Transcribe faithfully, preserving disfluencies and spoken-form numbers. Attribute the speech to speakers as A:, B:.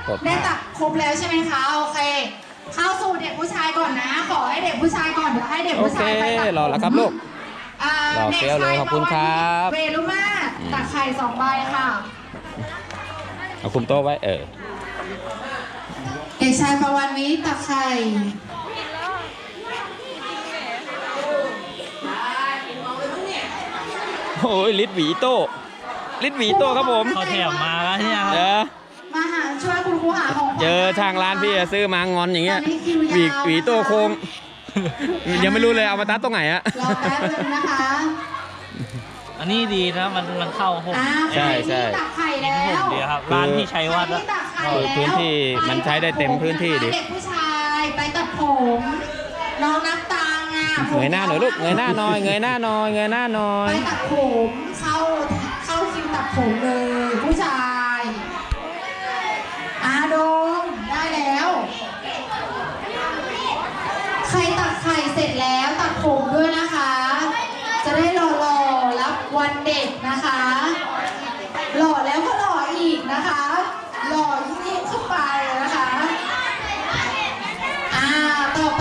A: ได้ตักครบแล้วใช่ไหมคะโอเคเข้าสู่เด็กผู้ชายก่อนนะขอให้เด็กผู้ชายก่อนเดี๋ยวให้เด็ก
B: โอ
A: ผู้
B: เค
A: ชายไปตัก
B: รอแล้วครับลูก
A: อ่าร
B: อเฟี้ยวเลยขอบคุณครับ
A: เวลุมาตักไข่สองใบค่ะ
B: เอาคุมโต๊ะไว้เออ
A: เด็กชายประวันวิตักไข่
B: โอ้ยลิดหวีโต้ลิดหวีโต้ครับผม
C: เขาแถมมาแล้วเนี่ย
B: เจอ
A: มาหาช่วยคุณครูหาของขวัญ
B: เจอทางร้านพี่อะซื้อมางอนอย่างเงี้ย
A: ตอนนี้คิวยาว
B: หวีหวีโต้โค้งยังไม่รู้เลยเอามาตัดตรงไหนอะ
A: รอแป๊บนึงนะคะ
C: อันนี้ดีนะมันมันเข้าผม
A: อ่า
B: ใช่ใช่
A: ใครที่ตักไข่แล้ว
C: ผมดีครับร้านที่ชัยวัฒน์
A: ใคร
C: อะ
A: ที่ตักไข่
B: เออ
A: แล้ว
B: พื้นที่มันใช้ได้เต็มพื้นที่ดิ
A: เด็กผู้ชายไปตัดผมน้องนับตังอ่ะ
B: เงยหน้าหน่อยลูกเงยหน้าหน่อยเงยหน้าหน่อยเงยหน้าหน่อ
A: ไป
B: ย
A: ตัดผมเข้าเข้าคิวตัดผมเลยผู้ชายอาโดมได้แล้ว ใครตัดไข่เสร็จแล้วตัดผมด้วยนะคะ จะได้รอรอรับวันเด็กนะคะหล่อแล้วก็